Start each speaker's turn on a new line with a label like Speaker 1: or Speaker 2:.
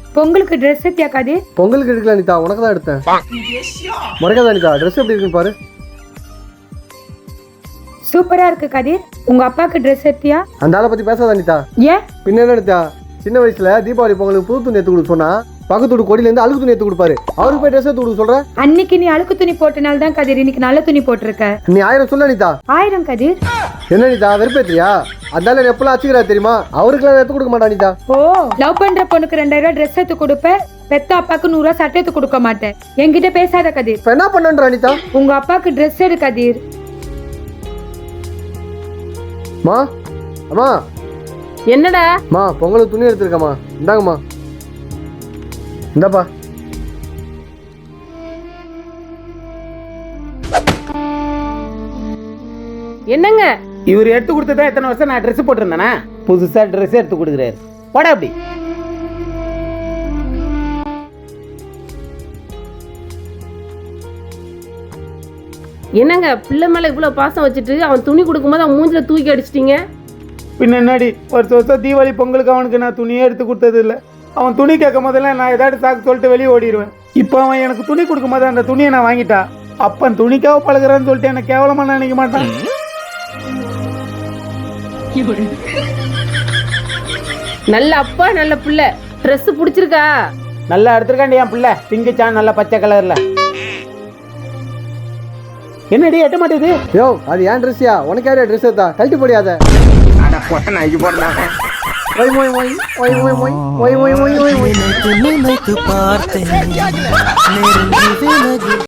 Speaker 1: பொங்கலுக்கு ட்ரெஸ் எடுத்தியா கதிர்?
Speaker 2: பொங்கலுக்கு எடுக்கல அனிதா, உனக்கு தான் எடுத்தேன். முறைக்காத அனிதா, ட்ரெஸ் எப்படி இருக்குன்னு பாரு.
Speaker 1: சூப்பரா இருக்கு கதிர். உங்க அப்பாக்கு ட்ரெஸ் எடுத்தியா?
Speaker 2: அந்த ஆளை பத்தி பேசாத அனிதா.
Speaker 1: ஏன்?
Speaker 2: பின்ன என்ன அனிதா, சின்ன வயசுல தீபாவளி பொங்கலுக்கு புது துணி எடுத்து கொடுக்க சொன்னா பக்கத்து வீட்டு கொடியில இருந்து அழுக்கு துணி எடுத்து கொடுப்பாரு. அவருக்கு போய் ட்ரெஸ் எடுத்து கொடுக்க சொல்ற?
Speaker 1: அன்னைக்கு நீ அழுக்கு துணி போட்டனால தான் கதிர் இன்னைக்கு நல்ல துணி போட்டிருக்க.
Speaker 2: நீ 1000 சொல்ல அனிதா.
Speaker 1: 1000 கதிர்?
Speaker 2: என்ன அனிதா வெறுப்பேத்தியா? அதனால எப்பெல்லாம் அச்சுக்கிறா தெரியுமா? அவருக்குலாம் எடுத்து கொடுக்க மாட்டா அனிதா.
Speaker 1: ஓ, லவ் பண்ற பொண்ணுக்கு 2000 ட்ரெஸ் எடுத்து கொடுப்ப, பெத்த அப்பாக்கு 100 சட்டை எடுத்து கொடுக்க மாட்டேன். என்கிட்ட பேசாத கதிர்.
Speaker 2: இப்ப என்ன பண்ணன்ற அனிதா?
Speaker 1: உங்க அப்பாக்கு ட்ரெஸ் எடு கதிர்.
Speaker 2: மா அம்மா.
Speaker 3: என்னடா?
Speaker 2: மா பொங்கலுக்கு துணி எடுத்துருக்கம்மா, இந்தாங்கம்மா. இந்தாப்பா.
Speaker 3: என்னங்க
Speaker 4: இவர் எடுத்து கொடுத்ததா எத்தனை வருஷம் நான் ட்ரெஸ் போட்டிருந்தேனா? புதுசா ட்ரெஸ் எடுத்து கொடுக்குறாரு. போடா அப்படி.
Speaker 3: என்னங்க பிள்ளை மேல இவ்வளவு பாசம் வச்சுட்டு அவன் துணி கொடுக்கும்போது அவன் மூஞ்சில தூக்கி அடிச்சிட்டீங்க.
Speaker 4: பின்ன என்னடி, வருஷம் தீபாவளி பொங்கலுக்கு அவனுக்கு நான் துணியே எடுத்து கொடுத்தது இல்லை. அவன் துணி கேட்கும் போதெல்லாம் நான் ஏதாவது சாக்கு சொல்லிட்டு வெளியே ஓடிடுவேன். இப்போ அவன் எனக்கு துணி கொடுக்கும் போது அந்த துணியை நான் வாங்கிட்டா அப்பன் துணிக்காக பழகுறான்னு சொல்லிட்டு எனக்கு கேவலமா நினைக்க மாட்டான்.
Speaker 3: நல்ல அப்பா நல்ல பிள்ளை. ட்ரெஸ் பிடிச்சிருக்கா?
Speaker 4: நல்லா எடுத்துருக்காண்டி என் பிள்ளை, பிங்குச்சான் நல்ல பச்சை கலர்ல. என்னடி எட்ட மாட்டேது?
Speaker 2: யோ, அது ஏன் ட்ரெஸ்ஸியா? உனக்கு யாரையா ட்ரெஸ் எடுத்தா? கழட்டி போடியாத. ஒய் ஒய் ஒய் ஒய் ஒய் ஒய் ஒய் ஒய் ஒய் ஒய் ஒய்.